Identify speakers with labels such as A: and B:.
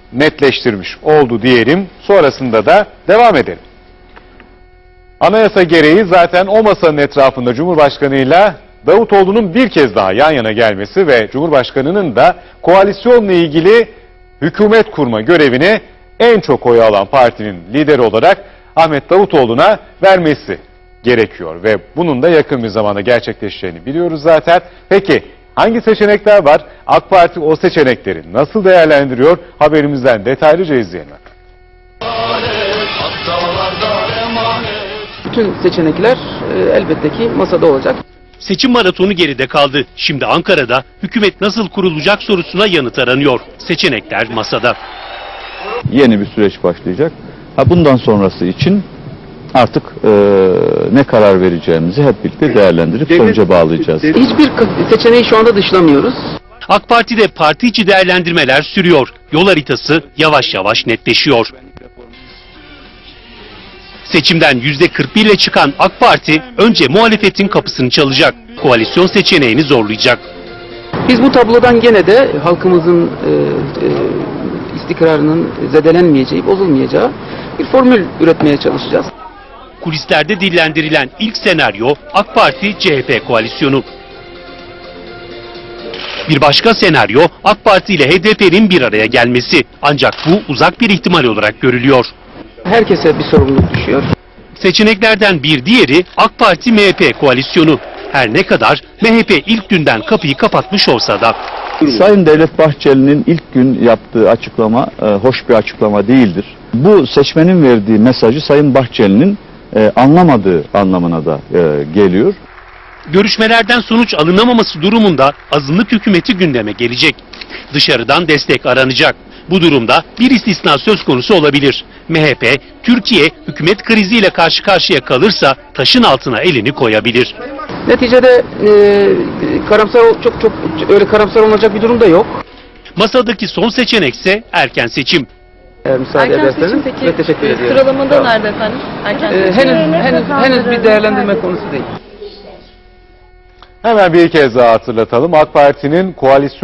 A: netleştirmiş oldu diyelim. Sonrasında da devam edelim. Anayasa gereği zaten o masanın etrafında Cumhurbaşkanı'yla Davutoğlu'nun bir kez daha yan yana gelmesi ve Cumhurbaşkanı'nın da koalisyonla ilgili hükümet kurma görevini en çok oy alan partinin lideri olarak Ahmet Davutoğlu'na vermesi gerekiyor ve bunun da yakın bir zamanda gerçekleşeceğini biliyoruz zaten. Peki hangi seçenekler var? AK Parti o seçenekleri nasıl değerlendiriyor? Haberimizden detaylıca izleyelim.
B: Bütün seçenekler elbette ki masada olacak.
C: Seçim maratonu geride kaldı. Şimdi Ankara'da hükümet nasıl kurulacak sorusuna yanıt aranıyor. Seçenekler masada.
D: Yeni bir süreç başlayacak. Bundan sonrası için artık ne karar vereceğimizi hep birlikte değerlendirip sonuca bağlayacağız.
B: Hiçbir seçeneği şu anda dışlamıyoruz.
C: AK Parti'de parti içi değerlendirmeler sürüyor. Yol haritası yavaş yavaş netleşiyor. Seçimden %41 ile çıkan AK Parti önce muhalefetin kapısını çalacak. Koalisyon seçeneğini zorlayacak.
B: Biz bu tablodan gene de halkımızın istikrarının zedelenmeyeceği, bozulmayacağı bir formül üretmeye çalışacağız.
C: Kulislerde dillendirilen ilk senaryo AK Parti-CHP koalisyonu. Bir başka senaryo AK Parti ile HDP'nin bir araya gelmesi. Ancak bu uzak bir ihtimal olarak görülüyor.
B: Herkese bir sorumluluk düşüyor.
C: Seçeneklerden bir diğeri AK Parti-MHP koalisyonu. Her ne kadar MHP ilk günden kapıyı kapatmış olsa da.
D: Sayın Devlet Bahçeli'nin ilk gün yaptığı açıklama hoş bir açıklama değildir. Bu seçmenin verdiği mesajı Sayın Bahçeli'nin anlamadığı anlamına da geliyor.
C: Görüşmelerden sonuç alınamaması durumunda azınlık hükümeti gündeme gelecek. Dışarıdan destek aranacak. Bu durumda bir istisna söz konusu olabilir. MHP, Türkiye hükümet kriziyle karşı karşıya kalırsa taşın altına elini koyabilir.
B: Neticede çok öyle karamsar olacak bir durum da yok.
C: Masadaki son seçenekse erken seçim.
B: Eğer müsaade
E: Erken
B: ederseniz
E: seçim peki
B: teşekkür ediyorum.
E: sıralamada nerede efendim? Erken seçim.
B: Henüz bir değerlendirme konusu değil.
A: Hemen bir kez daha hatırlatalım. AK Parti'nin koalisyon